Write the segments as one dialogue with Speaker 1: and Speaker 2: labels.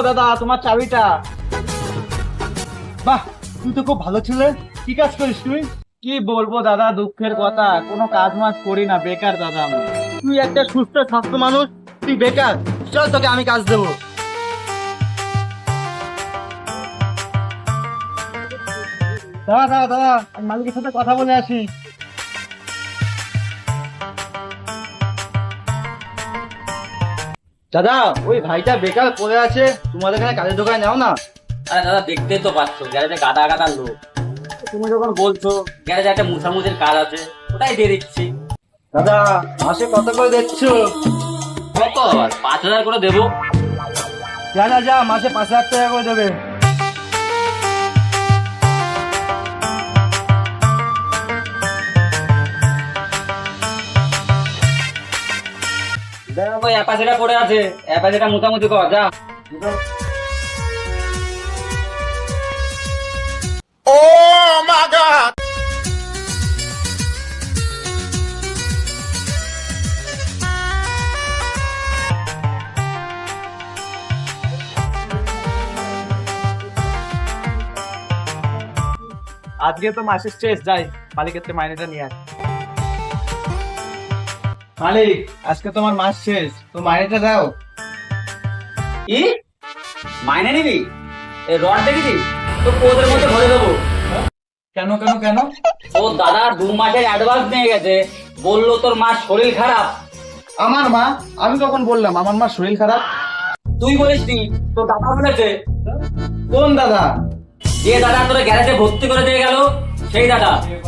Speaker 1: দাদা তোমার চাবিটা।
Speaker 2: বাহ, তুই তো খুব ভালো ছেলে। কি কাজ করিস তুই?
Speaker 1: কি বলবো দাদা, দুঃখের কথা, কোনো কাজ মাজ করি না, বেকার দাদা আমি।
Speaker 2: তুই একটা সুস্থ স্বাস্থ্য মানুষ, তুই বেকার। চল তোকে আমি কাজ দেবো। দাদা দাদা দাদা, আমি মালিকের সাথে কথা বলে আসি। দাদা, ওই ভাইটা বেকার পড়ে আছে, তোমাদের এখানে কাজের দোকানে নাও না।
Speaker 3: আরে দাদা, দেখতেই তো পাচ্ছ গ্যারেজে গাদা গাদা লোক। তুমি যখন বলছো গ্যারেজে একটা মুছামুছির কাজ আছে, ওটাই দিয়ে দিচ্ছি।
Speaker 2: দাদা, মাসে কত করে দিচ্ছ?
Speaker 3: কত আবার 5,000 করে দেবো।
Speaker 2: যা যা যা, মাসে 5,000 টাকা করে দেবে।
Speaker 3: দেখো অ্যাপাচেটা পড়ে আছে, অ্যাপাচেটা মুছামুছি কর যা।
Speaker 1: আজকে তো মাসের শেষ, যাই মালিকের থেকে মাইনেটা নিয়ে আস।
Speaker 2: মালিক, আজকে তোমার মাস শেষ, তো মাইনেটা দাও।
Speaker 3: কি মাইনে নিবি? এই রড দেখেছি তো ওদের মধ্যে ভরে দেবো।
Speaker 2: কেন কেন কেন?
Speaker 3: ও দাদা 2 মাসের অ্যাডভান্স নিয়ে গেছে, বললো তোর মার শরীর খারাপ।
Speaker 2: আমার মা? আমি কখন বললাম আমার মা শরীর খারাপ?
Speaker 3: তুই বলিস নি, তোর দাদা বলেছে।
Speaker 2: কোন দাদা?
Speaker 3: যে দাদা তোর গ্যারেজে ভর্তি করে দিয়ে গেল, সেই দাদা।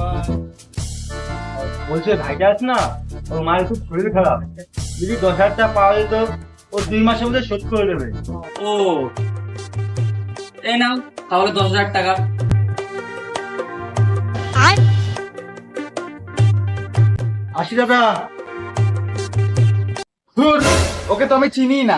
Speaker 2: বলছে ভাইটা আছে না, ওর মায়ের খুব শরীর খারাপ, যদি 10,000 টাকা পাওয়া যেত ও 2 মাসের মধ্যে শোধ করে দেবে।
Speaker 3: ও এই নাও তাহলে 10,000 টাকা।
Speaker 2: আসি দাদা। ধুর, ওকে তো আমি চিনি না।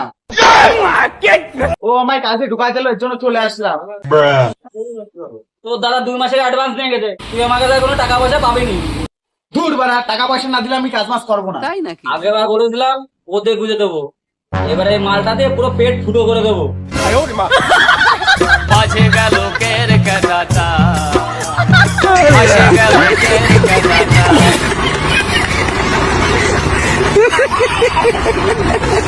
Speaker 2: ও আমায় কাজে ঢুকাই দিল, এর জন্য চলে আসলাম।
Speaker 3: তোর দাদা 2 মাসের অ্যাডভান্স নিয়ে গেছে, তুই আমার কাছে কোনো টাকা পয়সা পাবিনি।
Speaker 2: ধুর বাড়া, টাকা পয়সা না দিলে আমি কাজ মাস করবো না।
Speaker 3: আগেবার বলেছিলাম ওদের গুঁজে দেবো, এবারে এই মালটা দিয়ে পুরো পেট ফুটো করে দেবো।
Speaker 4: মাঝে গেল কের কাটা, মাঝে গেল কের কাটা।